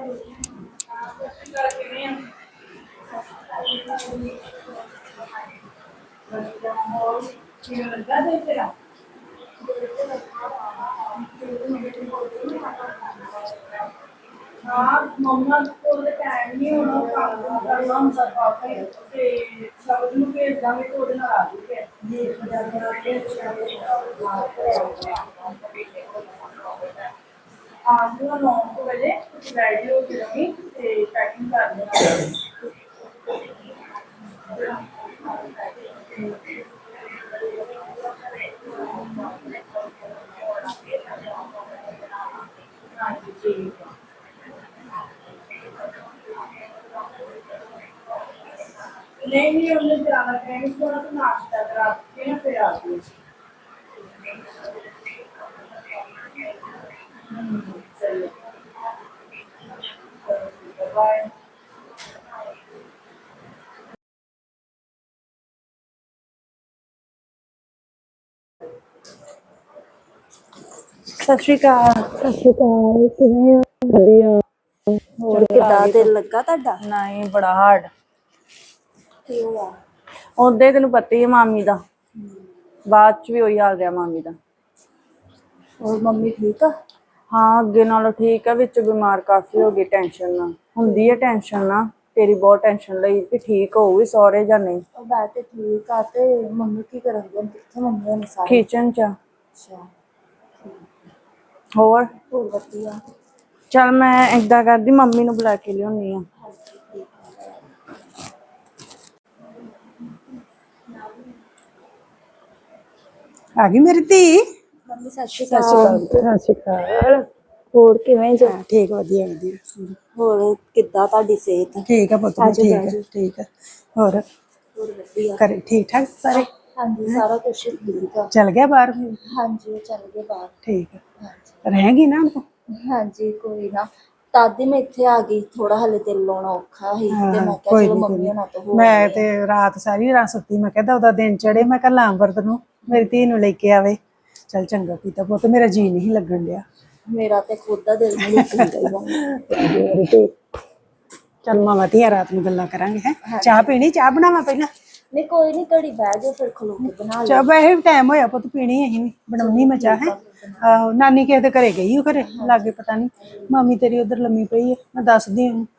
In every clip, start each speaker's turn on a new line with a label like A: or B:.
A: हाँ मम्मा को टाइम नहीं होना काम करना हम सब काफी ते शब्द ਨੂੰ ਭੇਜ ਦਾਂਗੇ ਤੇ ਉਹਦੇ ਨਾਲ ਆ ਜੂਗੇ ਜੀ आज ना 9 बजे रेडी हो के रही ते पैकिंग कर देना हाँ जी ठीक है नहीं उन्हें जाना कहीं थोड़ा तो नाश्ता करा के ना फिर आती चलिए बाय
B: ਸਤਿ ਸ਼੍ਰੀ ਅਕਾਲ।
C: ਸਤਿ ਸ਼੍ਰੀ ਅਕਾਲ, ਕਿਵੇਂ ਹੋ? ਵਧੀਆ।
B: ਹੋਰ ਕਿੱਦਾਂ ਦਿਲ ਲੱਗਾ ਤੁਹਾਡਾ?
C: ਨਹੀਂ, ਬੜਾ ਹਾਰਡ।
B: ਕੀ ਹੋਇਆ?
C: ਉਹਦੇ ਤੈਨੂੰ ਪਤਾ ਹੀ ਹੈ ਮਾਮੀ ਦਾ, ਬਾਅਦ ਚ ਵੀ ਉਹੀ ਹਾਲ ਰਿਹਾ ਮਾਮੀ ਦਾ।
B: ਹੋਰ ਮੰਮੀ ਠੀਕ ਆ?
C: ਹਾਂ ਅੱਗੇ ਨਾਲੋਂ ਠੀਕ ਆ, ਵਿੱਚ ਬਿਮਾਰ ਕਾਫੀ ਹੋ ਗਈ ਟੈਨਸ਼ਨ ਨਾਲ। ਹੁੰਦੀ ਹੈ ਟੈਨਸ਼ਨ ਨਾ, ਤੇਰੀ ਬਹੁਤ ਟੈਨਸ਼ਨ ਲਈ ਕਿ ਠੀਕ ਹੋਊਗੀ ਸਹੁਰੇ ਜਾਂ ਨਹੀਂ।
B: ਉਹ ਮੈਂ ਤੇ ਠੀਕ ਆ ਤੇ ਮੰਮੀ ਕੀ ਕਰਨਗੇ? ਕਿੱਥੇ ਮੰਮੀ ਹੁਣ ਸਾਰੇ?
C: ਕਿਚਨ ਚ।
B: ਅੱਛਾ
C: ਹੋਰ
B: ਹੋਰ ਵਧੀਆ।
C: ਚੱਲ ਮੈਂ ਏਦਾਂ ਕਰਦੀ, ਮੰਮੀ ਨੂੰ ਬੁਲਾ ਕੇ ਲਿਆਉਣੀ ਆ।
D: ਆ ਗਈ ਮੇਰੀ ਧੀ।
B: ਮੰਮੀ ਸਤਿ ਸ਼੍ਰੀ
D: ਸਤਿ ਸ਼੍ਰੀ
B: ਅਕਾਲ।
D: ਅਕਾਲ। ਸਤਿ ਸ਼੍ਰੀ ਅਕਾਲ।
B: ਹੋਰ ਕਿਵੇਂ ਜੋ?
D: ਹਾਂ ਠੀਕ, ਵਧੀਆ ਵਧੀਆ।
B: ਹੋਰ ਕਿੱਦਾਂ ਤੁਹਾਡੀ ਸਿਹਤ?
D: ਠੀਕ ਆ ਪੁੱਤ,
B: ਆਜੋ,
D: ਠੀਕ
B: ਆਜੋ।
D: ਆ ਠੀਕ ਆ। ਹੋਰ
B: ਹੋਰ ਵਧੀਆ।
D: ਘਰੇ ਠੀਕ ਠਾਕ ਸਾਰੇ?
B: ਹਾਂਜੀ ਸਾਰਾ ਕੁਛ ਠੀਕ ਆ।
D: ਚਲ ਗਿਆ ਬਾਹਰ?
B: ਹਾਂਜੀ ਉਹ ਚੱਲ ਗਏ ਬਾਹਰ।
D: ਠੀਕ ਆ।
B: ਹਾਂਜੀ
D: ਰਹੇਗੀ ਨਾ ਹੁਣ?
B: ਹਾਂਜੀ ਕੋਈ ਨਾ, ਤਦ ਹੀ ਮੈਂ ਇੱਥੇ ਆ ਗਈ। ਥੋੜਾ ਹਲੇ ਦਿਲ ਲਾਉਣਾ ਔਖਾ ਸੀ ਤੇ ਮੈਂ ਕਿਹਾ
D: ਕੋਈ
B: ਚਲੋ
D: ਨੀ, ਕੋਈ
B: ਮੰਮੀ
D: ਨੀ।
B: ਹੋਣਾ ਤੋਂ ਹੋ
D: ਮੈਂ
B: ਆਉਂਦੇ ਆ।
D: ਤੇ ਰਾਤ ਸਾਰੀ ਰਾਤ ਸੁੱਤੀ, ਮੈਂ ਕਹਿੰਦਾ ਉਹਦਾ ਦਿਨ ਚੜੇ, ਮੈਂ ਕੱਲ ਅੰਬਰਤ ਨੂੰ ਮੇਰੀ ਧੀ ਨੂੰ ਲੈ ਕੇ ਆਵੇ। ਚੱਲ ਚੰਗਾ ਕੀਤਾ ਪੁੱਤ, ਮੇਰਾ ਜੀ ਨਹੀਂ ਲੱਗਣ ਡਿਆ।
B: ਮੇਰਾ ਤੇ ਖੁਦ ਦਾ ਦਿਲ ਨਹੀਂ ਲੱਗਦਾ।
D: ਚੱਲ ਮਾਵਾਂ ਧੀਆਂ ਰਾਤ ਨੂੰ ਗੱਲਾਂ ਕਰਾਂਗੇ। ਹੈ ਚਾਹ ਪੀਣੀ? ਚਾਹ ਬਣਾਵਾਂ ਪਹਿਲਾਂ?
B: ਨਹੀਂ ਕੋਈ ਨਹੀਂ, ਘੜੀ ਬਹਿ ਜਾਓ ਫਿਰ ਖਲੋ ਕੇ ਬਣਾ
D: ਚਾਹ
B: ਲਓ।
D: ਵੈਸੇ ਵੀ ਟਾਈਮ ਹੋਇਆ ਪੁੱਤ, ਪੀਣੀ ਅਸੀਂ ਵੀ ਬਣਾਉਣੀ ਮੈਂ ਚਾਹ। ਹੈ ਆਹੋ ਨਾਨੀ ਕਿਸੇ ਦੇ ਘਰੇ ਗਈ, ਉਹ ਘਰੇ ਲਾਗੇ ਪਤਾ ਨਹੀਂ। ਮਾਮੀ ਤੇਰੀ ਉਧਰ ਲੰਮੀ ਪਈ ਹੈ, ਮੈਂ ਦੱਸਦੀ ਉਹਨੂੰ।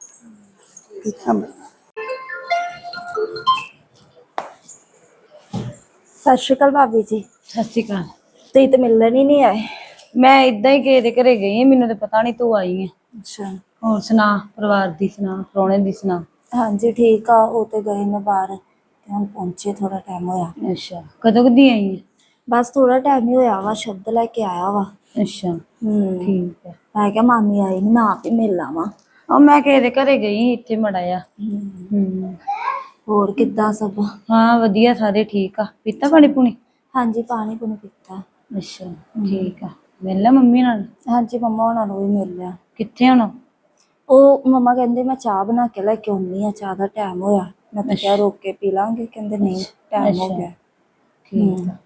B: ਸਤਿ ਸ਼੍ਰੀ ਅਕਾਲ ਭਾਬੀ ਜੀ।
C: ਸਤਿ ਸ਼੍ਰੀ ਅਕਾਲ।
B: ਤੁਸੀਂ ਤੇ ਮਿਲਣ ਹੀ ਨਹੀਂ ਆਏ।
C: ਮੈਂ ਇਦਾਂ ਹੀ ਕਿਸੇ ਦੇ ਘਰੇ ਗਈ, ਮੈਨੂੰ ਤਾਂ ਪਤਾ ਨਹੀਂ ਤੂੰ ਆਈ ਹੈ।
B: ਅੱਛਾ
C: ਹੋਰ ਸੁਣਾ, ਪਰਿਵਾਰ ਦੀ ਸੁਣਾ, ਪ੍ਰਾਹੁਣੇ ਦੀ ਸੁਣਾ।
B: ਹਾਂਜੀ ਠੀਕ ਆ, ਉਹ ਤੇ ਗਏ ਨੇ ਬਾਹਰ ਤੇ ਹੁਣ ਪਹੁੰਚੇ, ਥੋੜਾ ਟਾਈਮ ਹੋਇਆ।
C: ਅੱਛਾ ਕਦੋਂ ਕਦੀ ਆਈ ਹੈ?
B: ਬਸ ਥੋੜਾ ਟਾਈਮ ਹੀ ਹੋਇਆ ਵਾ, ਸ਼ਬਦ ਲੈ ਕੇ ਆਇਆ ਵਾ।
C: ਅੱਛਾ ਠੀਕ ਹੈ।
B: ਮੈਂ ਕਿਹਾ ਮਾਮੀ ਆਈ ਨੀ, ਮੈਂ ਆਪ ਹੀ ਮਿਲ ਆਵਾਂ।
C: ਉਹ ਮੈਂ ਕਿਸੇ ਦੇ ਘਰੇ ਗਈ ਇੱਥੇ ਮੜਾ ਆ।
B: ਹੋਰ ਕਿੱਦਾਂ ਸਭ?
C: ਹਾਂ ਵਧੀਆ, ਸਾਰੇ ਠੀਕ ਆ। ਪੀਤਾ ਪਾਣੀ ਪੂਣੀ?
B: ਹਾਂਜੀ ਪਾਣੀ ਪੂਣੀ ਪੀਤਾ।
C: ਅੱਛਾ ਠੀਕ ਆ। ਮਿਲ ਲਾ ਮੰਮੀ ਨਾਲ?
B: ਹਾਂਜੀ ਮੰਮਾ ਉਹਨਾਂ ਨੂੰ ਵੀ ਮਿਲ ਲਿਆ।
C: ਕਿੱਥੇ ਹੁਣ?
B: ਉਹ ਮੰਮਾ ਕਹਿੰਦੇ ਮੈਂ ਚਾਹ ਬਣਾ ਕੇ ਲੈ ਕੇ ਆਉਣੀ ਆ, ਚਾਹ ਦਾ ਟਾਈਮ ਹੋਇਆ। ਮੈਂ ਤਾਂ ਕਿਹਾ ਰੋਕ ਕੇ ਪੀ ਲਾਂਗੇ, ਕਹਿੰਦੇ ਨਹੀਂ ਟਾਈਮ ਹੋ ਗਿਆ।
C: ਠੀਕ ਆ।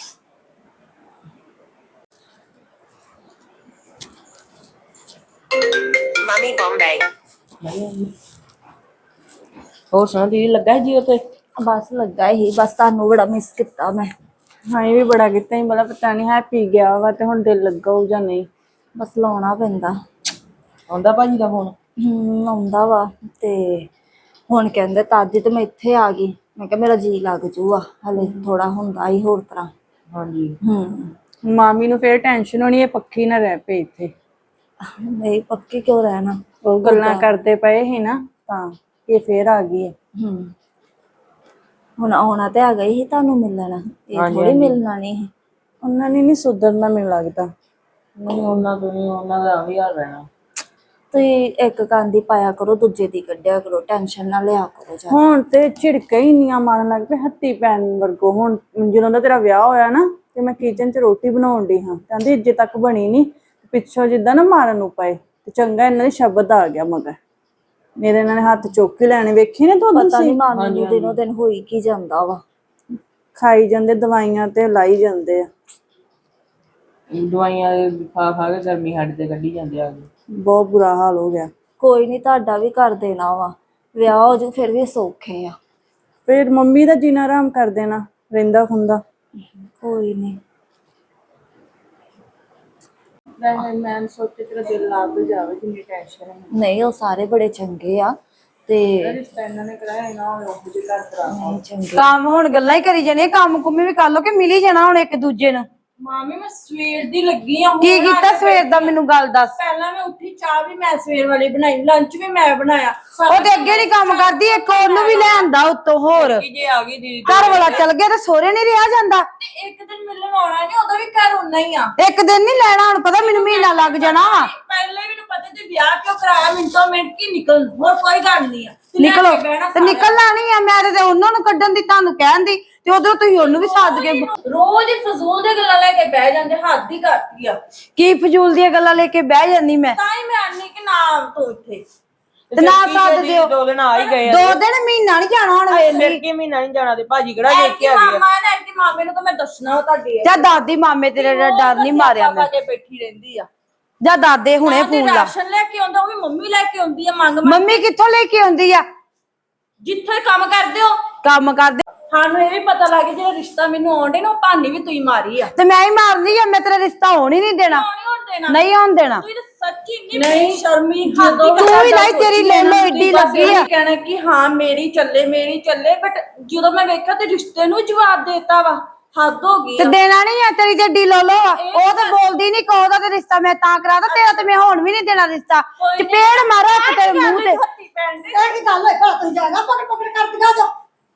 E: Mommy Bombay.
C: ਹੋਰ ਸੁਣਾ, ਦੀਦੀ ਲੱਗਾ ਜੀ ਉੱਥੇ?
B: ਬਸ ਲੱਗਾ ਹੀ, ਬਸ ਤੁਹਾਨੂੰ ਬੜਾ ਮਿਸ ਕੀਤਾ ਮੈਂ।
C: ਹਾਂ ਇਹ ਵੀ ਬੜਾ ਕੀਤਾ ਹੀ, ਬੜਾ ਪਤਾ ਨਹੀਂ ਹੈਪੀ ਗਿਆ ਵਾ ਤੇ ਹੁਣ ਦਿਲ ਲੱਗਾ ਹੋਊ ਜਾਂ ਨਹੀਂ।
B: ਬਸ ਲਾਉਣਾ ਪੈਂਦਾ।
C: ਆਉਂਦਾ ਭਾਜੀ ਦਾ ਫੋਨ?
B: ਆਉਂਦਾ ਵਾ ਤੇ ਹੁਣ ਕਹਿੰਦੇ ਤਾਦੀ ਤੇ ਮੈਂ ਇੱਥੇ ਆ ਗਈ। ਮੈਂ ਕਿਹਾ ਮੇਰਾ ਜੀ ਲੱਗ ਜੂਗਾ, ਹਲੇ ਥੋੜਾ ਹੁੰਦਾ ਹੀ ਹੋਰ ਤਰ੍ਹਾਂ।
C: ਹਾਂਜੀ ਮਾਮੀ ਨੂੰ ਫੇਰ ਟੈਨਸ਼ਨ ਹੋਣੀ, ਇਹ ਪੱਕੀ ਨਾ ਰਹਿ ਪਏ ਇੱਥੇ।
B: ਨਹੀਂ ਪੱਕੀ ਕਿਉਂ ਰਹਿਣਾ,
C: ਉਹ ਗੱਲਾਂ ਕਰਦੇ ਪਏ ਸੀ ਨਾ ਤਾਂ ਇਹ ਫੇਰ ਆ ਗਈ ਹੈ।
B: ਹੁਣ ਆਉਣਾ ਤੇ ਆ ਗਈ ਸੀ ਤੁਹਾਨੂੰ ਮਿਲਣ, ਇਹ ਥੋੜੀ ਮਿਲਣਾ ਨਹੀਂ ਸੀ।
C: ਉਹਨਾਂ ਨੇ ਨੀ ਸੁਧਰਨਾ ਮੈਨੂੰ ਲੱਗਦਾ।
F: ਨਹੀਂ ਉਹਨਾਂ ਤੋਂ ਨਹੀਂ, ਉਹਨਾਂ ਦਾ ਵੀ ਹਾਲ ਰਹਿਣਾ।
B: ਤੁਸੀਂ ਇੱਕ ਕੰਨ ਦੀ ਪਾਇਆ ਕਰੋ, ਦੂਜੇ ਦੀ ਕੱਢਿਆ ਕਰੋ, ਟੈਨਸ਼ਨ ਨਾ ਲਿਆ ਕਰੋ ਜ਼ਿਆਦਾ।
C: ਹੁਣ ਤੇ ਝਿੜਕਾਂ ਹੀ ਇੰਨੀਆਂ ਮਾਰਨ ਲੱਗ ਪਏ ਹੱਥੀ ਪੈਣ ਵਰਗੋ। ਹੁਣ ਜਦੋਂ ਦਾ ਤੇਰਾ ਵਿਆਹ ਹੋਇਆ ਨਾ ਤੇ ਮੈਂ ਕਿਚਨ 'ਚ ਰੋਟੀ ਬਣਾਉਣ ਡਈ ਹਾਂ, ਕਹਿੰਦੀ ਇੱਜੇ ਤੱਕ ਬਣੀ ਨੀ, ਪਿੱਛੋਂ ਜਿੱਦਾਂ ਨਾ ਮਾਰਨ ਨੂੰ ਪਏ ਤੇ ਚੰਗਾ ਇਹਨਾਂ ਦੇ ਸ਼ਬਦ ਆ ਗਿਆ ਮਗਰ ਮੇਰੇ। ਇਹਨਾਂ ਨੇ ਹੱਥ ਚੁੱਕ ਕੇ ਲੈਣੇ, ਵੇਖੀ ਨਾ ਤੂੰ?
B: ਪਤਾ ਨੀ ਮਾਮੀ ਨੂੰ ਦਿਨੋਂ ਦਿਨ ਹੋਈ ਕੀ ਜਾਂਦਾ ਵਾ।
C: ਖਾਈ ਜਾਂਦੇ ਦਵਾਈਆਂ ਤੇ ਲਾਈ ਜਾਂਦੇ ਆ।
F: ਦਵਾਈਆਂ ਖਾ ਖਾ ਕੇ ਗਰਮੀ ਸਾਡੇ ਤੇ ਕੱਢੀ ਜਾਂਦੇ ਆ।
C: ਬਹੁਤ ਬੁਰਾ ਹਾਲ ਹੋ ਗਿਆ।
B: ਕੋਈ ਨਹੀਂ, ਤੁਹਾਡਾ ਵੀ ਕਰ ਦੇਣਾ ਵਾ, ਵਿਆਹ ਹੋ ਜੂ ਫਿਰ ਵੀ ਸੌਖੇ ਆ।
C: ਫਿਰ ਮੰਮੀ ਦਾ ਜੀਣਾ ਆਰਾਮ ਕਰ ਦੇਣਾ, ਰਹਿੰਦਾ ਖੁੰਦਾ।
B: ਕੋਈ ਨਹੀਂ।
C: ਮੈਂ ਸੋਚੇ ਤੇਰਾ ਦਿਲ ਲੱਗ ਜਾਵੇ, ਜਿੰਨੀ ਟੈਨਸ਼ਨ ਹੈ।
B: ਨਹੀਂ, ਉਹ ਸਾਰੇ ਬੜੇ ਚੰਗੇ ਆ ਤੇ
C: ਰਿਸ਼ਤਾ ਇਹਨਾਂ ਨੇ ਕਰਾਇਆ ਨਾ, ਉਹ ਜਿਹੇ ਘਰ ਕਰਾ।
B: ਨਹੀਂ ਚੰਗੇ।
E: ਕੰਮ ਹੁਣ ਗੱਲਾਂ ਹੀ ਕਰੀ ਜਾਣੇ, ਕੰਮ ਕੁੰਮੀ ਵੀ ਕਰ ਲੋ ਕਿ ਮਿਲ ਹੀ ਜਾਣਾ ਹੁਣ ਇੱਕ ਦੂਜੇ ਨੂੰ।
A: ਮਾਮੀ ਮੈਂ ਸਵੇਰ ਦੀ ਲੱਗੀ ਆ।
E: ਕੀ ਕੀਤਾ ਸਵੇਰ ਦਾ ਮੈਨੂੰ ਗੱਲ ਦੱਸ।
A: ਪਹਿਲਾਂ ਮੈਂ ਉੱਠੀ, ਚਾਹ ਵੀ ਮੈਂ ਸਵੇਰ ਵਾਲੀ ਬਣਾਈ, ਲੰਚ ਵੀ ਮੈਂ ਬਣਾਇਆ।
E: ਉਹ ਤੇ ਅੱਗੇ ਨਹੀਂ ਕੰਮ ਕਰਦੀ, ਇੱਕ ਉਹਨੂੰ ਵੀ ਲੈ ਆਂਦਾ ਉੱਤੋਂ ਹੋਰ।
F: ਜੇ ਆ ਗਈ ਦੀਦੀ
E: ਘਰ ਵਾਲਾ ਚਲ ਗਿਆ ਤੇ ਸੋਹਰੇ ਨਹੀਂ ਰਿਹਾ ਜਾਂਦਾ।
A: ਤੇ ਇੱਕ ਦਿਨ ਮਿਲਣ ਆਉਣਾ ਨਹੀਂ, ਉਹਦਾ ਵੀ ਘਰ ਉਨਾ ਹੀ ਆ।
E: ਇੱਕ ਦਿਨ ਨਹੀਂ ਲੈਣਾ, ਹੁਣ ਪਤਾ ਮੈਨੂੰ ਮਹੀਨਾ ਲੱਗ ਜਾਣਾ ਵਾ।
A: ਪਹਿਲੇ ਵੀ ਮੈਨੂੰ ਪਤਾ ਤੇ ਵਿਆਹ ਕਿਉਂ ਕਰਾਇਆ, ਮਿੰਟੋ ਮਿੰਟ ਕੀ ਨਿਕਲ, ਹੋਰ ਕੋਈ ਗੱਲ ਨਹੀਂ ਆ। ਤੂੰ ਲੈ
E: ਨਿਕਲੋ
A: ਕੇ ਬਹਿਣਾ
E: ਤੇ ਨਿਕਲਣਾ ਨਹੀਂ ਆ, ਮੈਂ ਤੇ ਉਹਨਾਂ ਨੂੰ ਕੱਢਣ ਦੀ ਤੁਹਾਨੂੰ ਕਹਿਣ ਦੀ, ਤੇ ਉਧਰੋਂ ਤੁਸੀਂ ਉਹਨੂੰ ਵੀ ਸੱਦ ਕੇ
A: ਰੋਜ਼ ਹੀ ਫਜ਼ੂਲ ਦੀਆਂ ਗੱਲਾਂ ਲੈ ਕੇ ਬਹਿ ਜਾਂਦੇ, ਹੱਦ ਹੀ ਕਰਤੀ ਆ।
E: ਕੀ ਫਜ਼ੂਲ ਦੀਆਂ ਗੱਲਾਂ ਲੈ ਕੇ ਬਹਿ ਜਾਂਦੀ ਮੈਂ।
A: ਤਾਂ ਹੀ ਮੈਂ ਆਨੀ ਕਿ ਨਾ ਤੂੰ ਇੱਥੇ
E: ਤੇ ਨਾ ਸੱਦ ਦਿਓ।
F: 2 ਦਿਨ ਆ ਹੀ ਗਏ ਆ।
E: 2 ਦਿਨ ਮਹੀਨਾ ਨਹੀਂ ਜਾਣਾ ਹੁਣ
F: ਫਿਰ
E: ਵੇਲੀ।
F: ਕੀ ਮਹੀਨਾ ਨਹੀਂ ਜਾਣਾ ਤੇ ਭਾਜੀ ਕਿਹੜਾ ਦੇਖ ਕੇ ਆ ਗਏ
A: ਮਾਮਾ ਨੇ ਐਡੀ ਮਾਮੇ ਨੂੰ ਤਾਂ ਮੈਂ ਦੱਸਣਾ ਵਾ ਤੁਹਾਡੇ
E: ਜਾਂ ਦਾਦੀ ਮਾਮੇ ਤੇਰੇ ਦਾ ਡਰ ਨਹੀਂ ਮਾਰਿਆ ਮੈਂ।
A: ਕੇ ਬੈਠੀ ਰਹਿੰਦੀ ਆ।
E: ਜਾਂ ਦਾਦੇ ਹੁਣੇ
A: ਤੇ
E: ਫੋਨ ਲਾ।
A: ਰਾਸ਼ਨ ਲੈ ਕੇ ਆਉਂਦਾ, ਉਹ ਵੀ ਮੰਮੀ ਲੈ ਕੇ ਆਉਂਦੀ ਆ ਮੰਗ ਮੰਗ।
E: ਮੰਮੀ ਕਿੱਥੋਂ ਲੈ ਕੇ ਆਉਂਦੀ ਆ?
A: ਜਿੱਥੇ ਕੰਮ ਕਰਦੇ ਹੋ
E: ਕੰਮ ਕਰਦੇ
A: ਸਾਨੂੰ ਇਹ ਵੀ ਪਤਾ ਲੱਗ ਗਿਆ, ਜਿਹੜਾ ਰਿਸ਼ਤਾ ਮੈਨੂੰ ਆਉਂਦੇ ਨਾ ਉਹ ਭਾਨੀ ਵੀ ਤੁਸੀਂ ਮਾਰੀ ਆ।
E: ਤੇ ਮੈਂ ਹੀ ਮਾਰਦੀ ਆ, ਮੈਂ ਤੇਰਾ ਰਿਸ਼ਤਾ ਹੋਣ ਹੀ ਨਹੀਂ ਦੇਣਾ।
A: ਨਹੀਂ ਹੋਣ ਦੇਣਾ,
E: ਨਹੀਂ ਹੋਣ ਦੇਣਾ।
A: ਤੂੰ ਤਾਂ ਸੱਚੀ ਨਹੀਂ ਸ਼ਰਮੀ ਹੱਦ ਹੀ
E: ਤੂੰ ਵੀ ਨਹੀਂ, ਤੇਰੀ ਲੈਲੋ ਏਡੀ ਲੱਗੀ ਆ।
A: ਕਹਿਣਾ ਕਿ ਹਾਂ ਮੇਰੀ ਚੱਲੇ ਬਟ ਜਦੋਂ ਮੈਂ ਵੇਖਿਆ ਤੇ ਰਿਸ਼ਤੇ ਨੂੰ ਜਵਾਬ ਦੇਤਾ ਵਾ, ਹੱਦ ਹੋ ਗਈ
E: ਤੇ
A: ਆ।
E: ਦੇਣਾ ਨਹੀਂ ਆ, ਤੇਰੀ ਜੱਡੀ ਲੋਲੋ ਆ। ਉਹ ਤੇ ਬੋਲਦੀ ਨਹੀਂ, ਕੋਦਾ ਤੇ ਰਿਸ਼ਤਾ ਮੈਂ ਤਾਂ ਕਰਾਦਾ, ਤੇਰਾ ਤੇ ਮੈਂ ਹੁਣ ਵੀ ਨਹੀਂ ਦੇਣਾ ਰਿਸ਼ਤਾ। ਚਪੇੜ ਮਾਰਾ ਤੇ ਮੂੰਹ ਤੇ।
A: ਹੱਥੀ ਪੈਣ ਦੇ
G: ਇਹ ਕੀ ਗੱਲ ਹੈ, ਘਰ ਤੁਸੀਂ ਜਾਣਾ ਪਕੜ ਪਕੜ ਕਰਦੀਆਂ ਜਾ।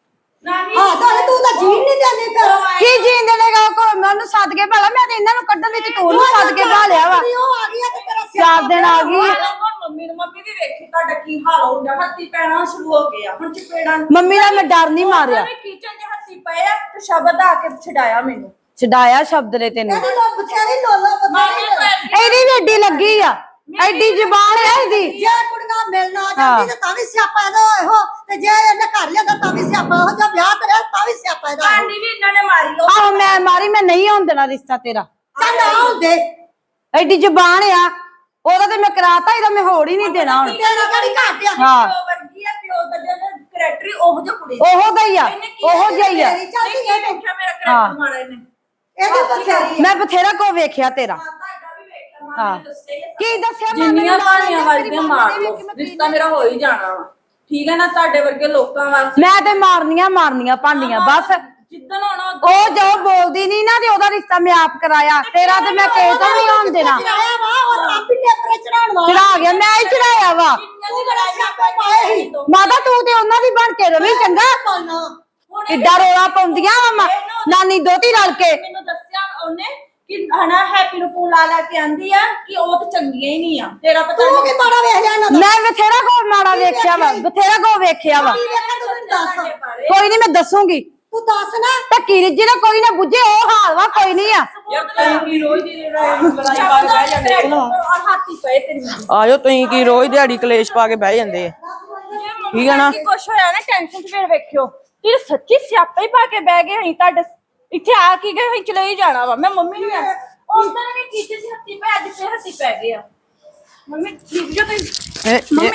A: ਨਾਨੀ
G: ਹਾਂ ਤਾਂ ਤੂੰ ਤਾਂ ਜੀਣ ਨਹੀਂ ਦਿੰਦੀ ਫਿਰ।
E: ਕੀ ਜੀਣ ਦੇਣੇਗਾ ਉਹ? ਕੋਈ ਮੈਂ ਉਹਨੂੰ ਸੱਦ ਕੇ ਭਾਲਾ, ਮੈਂ ਤੇ ਇਹਨਾਂ ਨੂੰ ਕੱਢਣ ਦੀ ਤੇ ਤੂੰ ਉਹਨੂੰ ਸੱਦ ਕੇ ਭਾਲਿਆ ਵਾ।
G: ਉਹ ਆ ਗਈ ਆ ਤੇ ਤੇਰਾ
E: 4 ਦਿਨ ਆ ਗਈ।
A: ਮੰਮੀ ਵੀ ਵੇਖੀ ਤੁਹਾਡਾ ਕੀ ਹਾਲ ਹੋਊਗਾ, ਹੱਥੀ ਪੈਣਾ ਸ਼ੁਰੂ ਹੋ ਗਿਆ ਹੁਣ ਚਪੇੜਾਂ।
E: ਮੰਮੀ ਦਾ ਮੈਂ ਡਰ ਨਹੀਂ ਮਾਰਿਆ।
A: ਕਿਚਨ 'ਚ ਹੱਥੀ ਪਏ ਆ ਤੇ ਸ਼ਬਦ ਆ ਕੇ ਛਡਾਇਆ ਮੈਨੂੰ।
E: ਛਡਾਇਆ ਸ਼ਬਦ ਨੇ ਤੈਨੂੰ।
G: ਇਹਦੀ ਲੋ ਬਥੇਰੀ ਲੋਲਾ ਬਥੇਰੀ।
E: ਇਹਦੀ ਵੀ ਏਡੀ ਲੱਗੀ ਆ, ਐਡੀ ਜ਼ਬਾਨ ਹੈ ਇਹਦੀ।
G: ਜੇ ਕੁੜੀਆਂ ਮਿਲਣ ਆ ਜਾਂਦੀ ਤੇ ਤਾਂ ਵੀ ਸਿਆਪਾ ਇਹਦਾ ਇਹੋ, ਤੇ ਜੇ ਇਹਨੇ ਘਰ ਲਿਆਂਦਾ ਤਾਂ ਵੀ ਸਿਆਪਾ ਇਹੋ, ਜਾਂ ਵਿਆਹ ਕਰਿਆ ਤਾਂ ਵੀ ਸਿਆਪਾ ਇਹਦਾ ਇਹੋ।
A: ਭਾਂਡੀ ਵੀ ਇਹਨਾਂ ਨੇ ਮਾਰੀ ਲੋ।
E: ਆਹੋ ਮੈਂ ਮਾਰੀ, ਮੈਂ ਨਹੀਂ ਹੋਣ ਦੇਣਾ ਰਿਸ਼ਤਾ ਤੇਰਾ।
G: ਚੱਲ ਨਾ ਹੁੰਦੇ
E: ਐਡੀ ਜ਼ਬਾਨ ਆ ਉਹਦਾ, ਤੇ ਮੈਂ ਕਰਾਤਾ, ਇਹਦਾ ਮੈਂ ਹੋੜ ਹੀ ਨਹੀਂ ਦੇਣਾ ਹੁਣ।
G: ਤੇਰੀ ਕਿਹੜੀ ਘਾਟ ਆ?
E: ਹਾਂ
A: ਪਿਓ ਵਰਗੀ ਆ, ਪਿਓ ਦਾ ਜਿਹੜਾ ਕਰੈਕਟਰ ਉਹ ਜੋ ਕੁੜੀ
E: ਉਹੋ ਦਾ ਹੀ ਆ, ਉਹੋ ਜਿਹਾ ਹੀ ਆ।
G: ਤੇਰੀ ਚੱਲਦੀ
A: ਨਹੀਂ ਵੇਖਿਆ ਮੇਰਾ ਕਰੈਕਟਰ ਮਾੜਾ ਇਹਨੇ।
G: ਇਹਦੀ ਬਥੇਰੀ।
E: ਮੈਂ ਬਥੇਰਾ ਕੋ ਵੇਖਿਆ ਤੇਰਾ।
A: ਤੁਹਾਡਾ ਵੀ ਵੇਖਿਆ ਮਾਂ ਨੇ ਦੱਸਿਆ ਹੀ ਆ।
E: ਕੀ ਦੱਸਿਆ ਮੈਂ?
A: ਜਿੰਨੀਆਂ ਭਾਣੀਆਂ ਵੱਜਦੀਆਂ ਮਾਰ ਲਓ, ਰਿਸ਼ਤਾ ਮੇਰਾ ਹੋ ਹੀ ਜਾਣਾ ਵਾ। ਠੀਕ ਹੈ ਨਾ, ਤੁਹਾਡੇ ਵਰਗੇ ਲੋਕਾਂ ਵਾਸਤੇ
E: ਮੈਂ ਤੇ ਮਾਰਨੀਆਂ ਭਾਂਡੀਆਂ ਬਸ।
A: ਜਿੱਦਣ ਆਉਣਾ
E: ਉਹ ਜੋ ਬੋਲਦੀ ਨਹੀਂ ਨਾ, ਤੇ ਉਹਦਾ ਰਿਸ਼ਤਾ ਮੈਂ ਆਪ ਕਰਾਇਆ। ਤੇਰਾ ਤੇ ਮੈਂ ਕਿਸੇ ਤੋਂ ਨਹੀਂ ਹੋਣ ਦੇਣਾ।
G: ਚੜਾਇਆ ਵਾ ਉਹ ਆਪ ਹੀ ਟੇਪਰੇ ਚੜਾਉਣ ਵਾਲਾ।
E: ਚੜਾ ਗਿਆ, ਮੈਂ ਹੀ ਚੜਾਇਆ ਵਾ।
G: ਤੂੰ ਬੜਾ ਸਿਆਪੇ ਪਾਏ ਸੀ।
E: ਮਾਤਾ ਤੂੰ ਤੇ ਉਹਨਾਂ ਦੀ ਬਣ ਕੇ ਰਵੀ ਚੰਗਾ।
G: ਪਾਉਣਾ।
E: ਕਿੱਡਾ ਰੋਲਾ ਪਾਉਂਦੀਆਂ ਵਾ ਨਾਨੀ ਦੋਤੀ ਰਲ ਕੇ।
A: ਮੈਨੂੰ ਦੱਸਿਆ ਉਹਨੇ ਕਿ ਹਨਾ ਹੈਪੀ ਨੂੰ ਫੋਨ ਲਾ ਕੇ ਆਂਦੀ ਆ ਕਿ ਉਹ ਤਾਂ ਚੰਗੀਆਂ ਹੀ ਨਹੀਂ ਆ। ਤੇਰਾ ਪਤਾ
G: ਤੂੰ ਕੀ ਮਾੜਾ ਵੇਖ ਲਿਆ ਇਹਨਾਂ ਦਾ?
E: ਮੈਂ ਬਥੇਰਾ ਕੋ ਮਾੜਾ ਵੇਖਿਆ ਵਾ, ਬਥੇਰਾ ਕੋ ਵੇਖਿਆ ਵਾ।
G: ਕੀ ਵੇਖਿਆ ਤੂੰ ਮੈਨੂੰ ਦੱਸ।
E: ਕੋਈ ਨਹੀਂ, ਮੈਂ ਦੱਸੂਗੀ।
G: ਤੂੰ ਦੱਸ ਨਾ।
E: ਧੱਕੀ ਰਿੱਜੀ ਨਾ ਕੋਈ ਨਾ ਬੁੱਝੇ, ਉਹ ਹਾਲ ਵਾ, ਕੋਈ ਨਹੀਂ ਆ।
F: ਯਾਰ ਤੁਸੀਂ ਕੀ ਰੋਜ਼ ਦੀ ਲੜਾਈ ਪਾ ਕੇ ਬਹਿ ਜਾਂਦੇ
A: ਹਾਥੀ ਪਏ ਤੇਰੀ ਮਾਂ।
F: ਆਜੋ ਤੁਸੀਂ ਕੀ ਰੋਜ਼ ਦਿਹਾੜੀ ਕਲੇਸ਼ ਪਾ ਕੇ ਬਹਿ ਜਾਂਦੇ ਆ। ਠੀਕ ਹੈ ਨਾ?
A: ਕੀ ਕੁਛ ਹੋਇਆ ਨਾ ਟੈਨਸ਼ਨ ਚ ਫਿਰ ਵੇਖਿਓ ਤੇ ਸੱਚੀ ਸਿਆਪਾ ਹੀ ਪਾ ਕੇ ਬਹਿ ਗਏ ਅਸੀਂ ਤੁਹਾਡੇ ਇੱਥੇ ਆ ਕੀ ਗਏ, ਅਸੀਂ ਚਲੇ ਹੀ ਜਾਣਾ ਵਾ। ਮੈਂ ਮੰਮੀ ਨੂੰ ਉਸ ਦਿਨ ਵੀ ਕਿਚਨ ਚ ਹੱਥੀ ਪੈ, ਅੱਜ ਫੇਰ ਹੱਥੀ ਪੈ ਗਏ ਆ। ਮੰਮੀ ਠੀਕ ਜੋ ਤੁਸੀਂ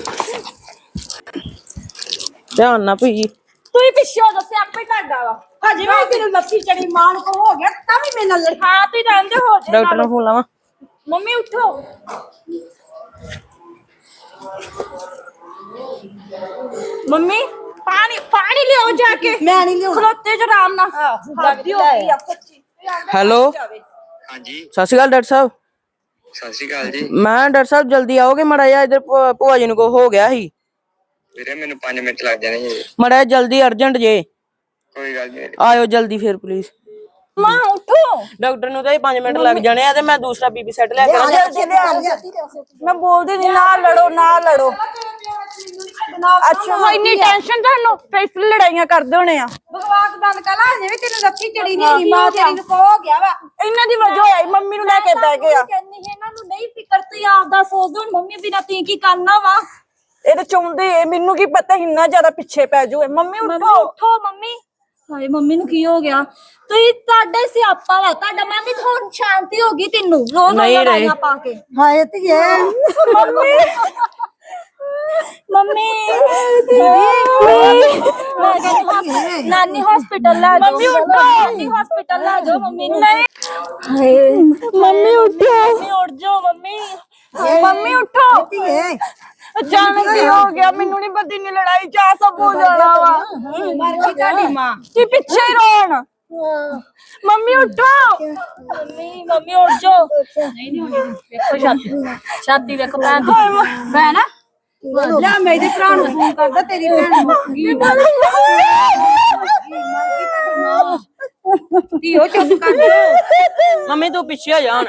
F: ਧਿਆਨ ਨਾ ਭਈ।
A: ਤੁਸੀਂ ਪਿੱਛੇ ਹੋ ਦੱਸਿਆ ਆਪੇ ਤੁਹਾਡਾ ਵਾ। ਹਜੇ ਵੀ ਤੈਨੂੰ ਲੱਤੀ ਚੜੀ ਮਾਨ ਕੋ ਹੋ ਗਿਆ ਤਾਂ ਵੀ ਮੇਰੇ ਨਾਲ ਲੜਖਾ ਤੁਸੀਂ ਰਹਿੰਦੇ ਹੋ ਜੇ
F: ਡਾਕਟਰ ਨੂੰ ਫੋਨ ਲਾਵਾਂ।
A: ਮੰਮੀ ਉਠੋ। ਮੰਮੀ ਪਾਣੀ ਲਿਆਓ ਜਾ ਕੇ।
E: ਮੈਂ ਨਹੀਂ ਲਿਆਉਣਾ।
A: ਖਲੋਤੇ ਜੋ ਆਰਾਮ ਨਾਲ ਹੱਦੀ ਹੋ ਗਈ ਆ ਸੱਚੀ।
F: ਹੈਲੋ
H: ਹਾਂਜੀ
F: ਸਤਿ ਸ਼੍ਰੀ ਅਕਾਲ ਡਾਕਟਰ ਸਾਹਿਬ।
H: ਸਤਿ ਸ਼੍ਰੀ ਅਕਾਲ ਜੀ।
F: ਮੈਂ ਡਾਕਟਰ ਸਾਹਿਬ ਜਲਦੀ ਆਓਗੇ ਮਾੜਾ ਜਿਹਾ, ਇਧਰ ਭੂਆ ਜੀ ਨੂੰ ਕੋ ਹੋ ਗਿਆ ਸੀ।
H: ਵੀਰੇ ਮੈਨੂੰ 5 ਮਿੰਟ ਲੱਗ ਜਾਣੇ ਜੀ।
F: ਮਾੜਾ ਜਿਹਾ ਜਲਦੀ ਅਰਜੈਂਟ ਜੇ।
H: ਕੋਈ ਗੱਲ ਨਹੀਂ।
F: ਆਇਓ ਜਲਦੀ ਫਿਰ ਪਲੀਜ਼।
A: ਮਾਂ ਉਠੋ।
F: ਡਾਕਟਰ ਨੂੰ ਤਾਂ 5 ਮਿੰਟ ਲੱਗ ਜਾਣੇ ਆ, ਤੇ ਮੈਂ ਦੂਸਰਾ ਬੀਬੀ ਸੈੱਟ ਲੈ ਕੇ ਆਣਾ।
E: ਮੈਂ ਬੋਲਦੀ ਨਹੀਂ, ਨਾ ਲੜੋ।
A: ਅੱਛਾ ਇੰਨੀ ਟੈਨਸ਼ਨ ਤੁਹਾਨੂੰ ਫੇਸ
E: ਲੜਾਈਆਂ ਕਰਦੇ ਹੋਣੇ ਆ।
G: ਬਕਵਾਸ ਬੰਦ ਕਰ ਲਾ। ਹਜੇ ਵੀ ਤੈਨੂੰ ਲੱਤੀ ਚੜੀ ਨਹੀਂ। ਮਾਂ ਤੇਰੀ ਨੂੰ ਕੋ ਹੋ ਗਿਆ ਵਾ।
E: ਇਹਨਾਂ ਦੀ ਵਜ੍ਹਾ ਹੋਈ, ਮੰਮੀ ਨੂੰ ਲੈ ਕੇ ਬਹਿ ਗਏ ਆ।
B: ਕਹਿੰਦੀ ਇਹਨਾਂ ਨੂੰ ਨਹੀਂ ਫਿਕਰ, ਤੇ ਆਪਦਾ ਸੋਚਦੇ ਹੁਣ ਮੰਮੀ ਬਿਨਾਂ ਤੀ ਕੀ ਕਰਨਾ ਵਾ।
E: ਇਹ ਤਾਂ ਚਾਹੁੰਦੇ, ਮੈਨੂੰ ਕੀ ਪਤਾ ਇੰਨਾ ਜ਼ਿਆਦਾ ਪਿੱਛੇ ਪੈ ਜੂਏ। ਮੰਮੀ
B: ਮੰਮੀ ਉਠੋ ਮੰਮੀ। ਹਾਏ ਮੰਮੀ ਨੂੰ ਕੀ ਹੋ ਗਿਆ? ਤੁਸੀਂ ਤੁਹਾਡੇ ਸਿਆਪਾ ਵਾ ਤੁਹਾਡਾ। ਮੈਂ ਵੀ ਥੋੜੀ ਸ਼ਾਂਤੀ ਹੋ ਗਈ ਤੈਨੂੰ ਰੋਜ਼
F: ਨਹੀਂ ਰਹੇ।
B: ਲੜਾਈਆਂ ਪਾ ਕੇ।
G: ਹਾਏ ਧੀਏ।
E: ਮੰਮੀ
A: ਮੰਮੀ ਨਾਨੀ ਹਸਪੀਟਲ ਲਾ ਜਾਓ ਮੰਮੀ ਉੱਠੋ ਨਾਨੀ ਹਸਪੀਟਲ ਲਾ ਜਾਓ ਮੰਮੀ ਨੂੰ ਨਹੀਂ ਮੰਮੀ ਉੱਠੋ ਮੰਮੀ ਉੱਠ ਜਾਓ ਮੰਮੀ ਮੰਮੀ ਉੱਠੋ ਅਚਾਨਕ ਕੀ ਹੋ ਗਿਆ ਮੈਨੂੰ ਨਹੀਂ ਪਤਾ ਨਹੀਂ ਲੜਾਈ ਚ ਸਭ ਹੋ ਜਾਣਾ ਵਾ
E: ਮਰ ਗਈ ਤੁਹਾਡੀ ਮਾਂ
A: ਕੀ ਪਿੱਛੇ ਹੀ ਰੋਣ ਮੰਮੀ ਉੱਠੋ ਮੰਮੀ ਉੱਠ ਜਾਓ ਨਹੀਂ ਨਹੀਂ ਵੇਖੋ ਛਾਤੀ ਵੇਖੋ ਭੈਣ
E: ਲੈ ਮੇਰੇ ਭਰਾ ਨੂੰ ਫੋਨ ਕਰਦਾ ਤੇਰੀ ਭੈਣ ਮੁੱਕ ਗਈ ਧੀਓ ਚੁੱਪ ਕਰ ਜਾ
F: ਮੰਮੀ ਤੂੰ ਪਿੱਛੇ ਹੋ ਜਾ ਹੁਣ